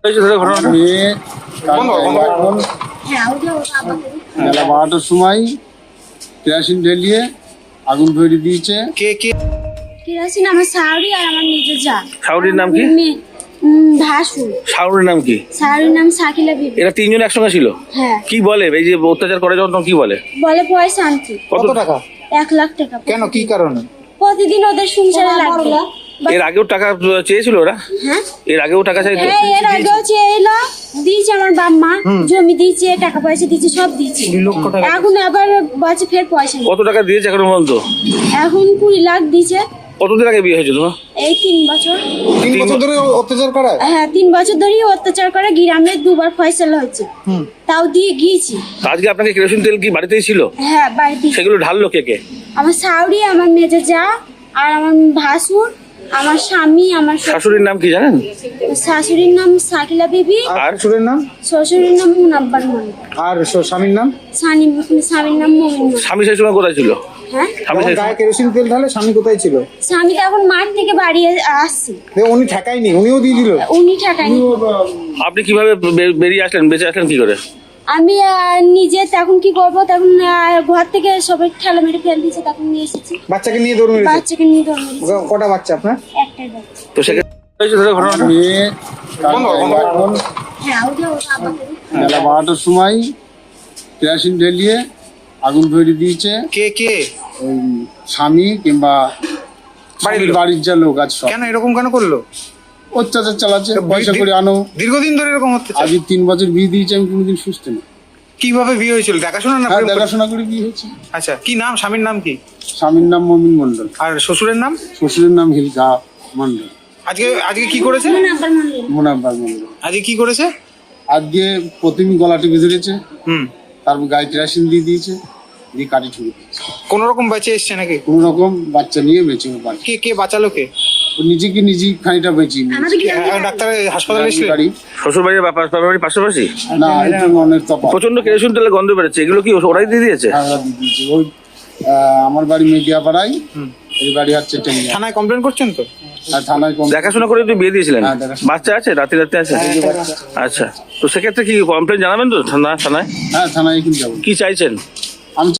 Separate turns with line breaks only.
বেলা 12টার সময় কেরোসিন ঢেলিয়ে আগুন ধরিয়ে দিয়েছে।
কেরোসিন আমার শাওরি আর আমার নিজের যা।
শাওরির নাম কি?
ভাসুর।
শাওরির নাম কি?
শাওরির নাম সাকিলা বিবি।
এরা তিনজন একসঙ্গে ছিল?
হ্যাঁ।
কি বলে এই যে অত্যাচার করে যখন কি বলে?
বলে পয়সা আনতে।
কত টাকা?
1 লাখ টাকা।
কেন, কি কারণে?
প্রতিদিন ওদের সংসারে লাগবে।
এর আগেও টাকা চেয়েছিল ওরা?
হ্যাঁ,
এর আগেও টাকা চাইতো?
হ্যাঁ, এর আগেও চেয়েছিল, দিয়েছে আমার বাবা মা, জমি দিয়েছে, টাকা পয়সা দিয়েছে, সব দিয়েছে। এখন আবার বলছে ফের পয়সা নেই।
কত টাকা দিয়েছে এখন পর্যন্ত?
এখন 20 লাখ দিয়েছে।
কতদিন আগে বিয়ে হয়েছে তোমার?
এই 3 বছর।
3 বছর ধরে অত্যাচার করায়?
হ্যাঁ, 3 বছর ধরেই অত্যাচার করে। গ্রামে 2বার ফয়সালা হয়েছে, তাও দিয়ে গিয়েছি।
আজকে আপনাকে কেরোসিন তেল কি বাড়িতেই ছিল?
হ্যাঁ, বাড়িতে।
সেগুলো ঢাললো কে কে?
আমার শাওরি, আমার মেজে যা, আর আমার ভাসুর, আমার স্বামী, আমার
শাশুড়ির নাম কি জানেন?
শাশুড়ির নাম সাকিলা বিবি,
আর শ্বশুরের নাম?
শ্বশুরের নাম মুনাব্বার মন্ডল,
আর স্বামীর নাম?
স্বামীর নাম মমিন মন্ডল।
স্বামী সেই সময় কোথায় ছিল?
হ্যাঁ,
স্বামী
যখন
সেই
গায়ে কেরোসিন তেল ঢালে স্বামী কোথায় ছিল?
স্বামী তো এখন মাঠ থেকে বাড়ি আসছে।
উনি ঠেকায়নি, উনিও দিয়ে দিল?
উনি ঠেকায়নি।
আপনি কিভাবে বেরিয়ে আসলেন, বেঁচে আসলেন কি করে?
আমি নিজে তখন কি করবো, তখন ঘর থেকে সবাই ঠেলা মেরে ফেল দিয়েছে, তখন নিয়ে এসেছি।
বাচ্চাকে নিয়ে দৌড় মেরেছে?
বাচ্চাকে নিয়ে দৌড় মেরেছি।
কটা বাচ্চা আপনার?
একটাই বাচ্চা।
তো সেক্ষেত্রে ঘটনা
মেয়ে
হ্যাঁ, ওটা আমাদের।
বেলা 12টার সময় কেরোসিন ঢেলিয়ে আগুন ধরিয়ে দিয়েছে।
কে?
ওই স্বামী কিংবা বাড়ির যা লোক আছে সব।
কেন এরকম কেন করলো?
অত্যাচার চালাচ্ছে, পয়সা করে আনো।
দীর্ঘদিন ধরে এরকম হচ্ছে?
আজ 3 বছর বিয়ে দিয়েছে, আমি কোনোদিন সুস্থ নেই।
কিভাবে বিয়ে হয়েছিল? দেখাশোনা না?
হ্যাঁ, দেখাশোনা করে বিয়ে হয়েছে।
আচ্ছা, কি নাম? স্বামীর নাম কি?
স্বামীর নাম মমিন মন্ডল,
আর শ্বশুরের নাম?
শ্বশুরের নাম হিলকা মন্ডল।
আজকে কি করেছে?
মুনাব্বার মন্ডল।
মুনাব্বার মন্ডল
আজকে কি করেছে?
আজকে প্রথমে গলা টিপে ধরেছে,
হুম।
তারপর গায়ে কেরোসিন দিয়ে দিয়েছে, দিয়ে কাটি ছুড়ে দিয়েছে।
কোন রকম বেঁচে এসছে নাকি?
কোন রকম বাচ্চা নিয়ে বেঁচে বাড়ি।
কে বাঁচালো? কে?
ও নিজেই খানিটা বেঁচে
ডাক্তার হাসপাতালে এসেছিল?
বাড়ি
শ্বশুর বাড়ির বাড়ির পাশাপাশি?
না, এটা অনেক তফাৎ।
প্রচন্ড কেরোসিন তেলে গন্ধ বেরোচ্ছে, এগুলো কি ওরাই দিয়ে দিয়েছে?
দিয়ে দিয়েছে। ওই আমার বাড়ি মেডিয়া পাড়ায়, এই বাড়ি হচ্ছে টেঙ্গিয়া।
থানায় কমপ্লেন করছেন তো?
আর থানায়
দেখাশোনা করে তুই বিয়ে দিয়েছিলেন?
হ্যাঁ, দেখাশোনা।
বাচ্চা আছে? রাতে আছে? আচ্ছা, তো সেক্ষেত্রে কি কমপ্লেন জানাবেন তো থানায়?
হ্যাঁ, থানায় এখন যাবো।
কি চাইছেন?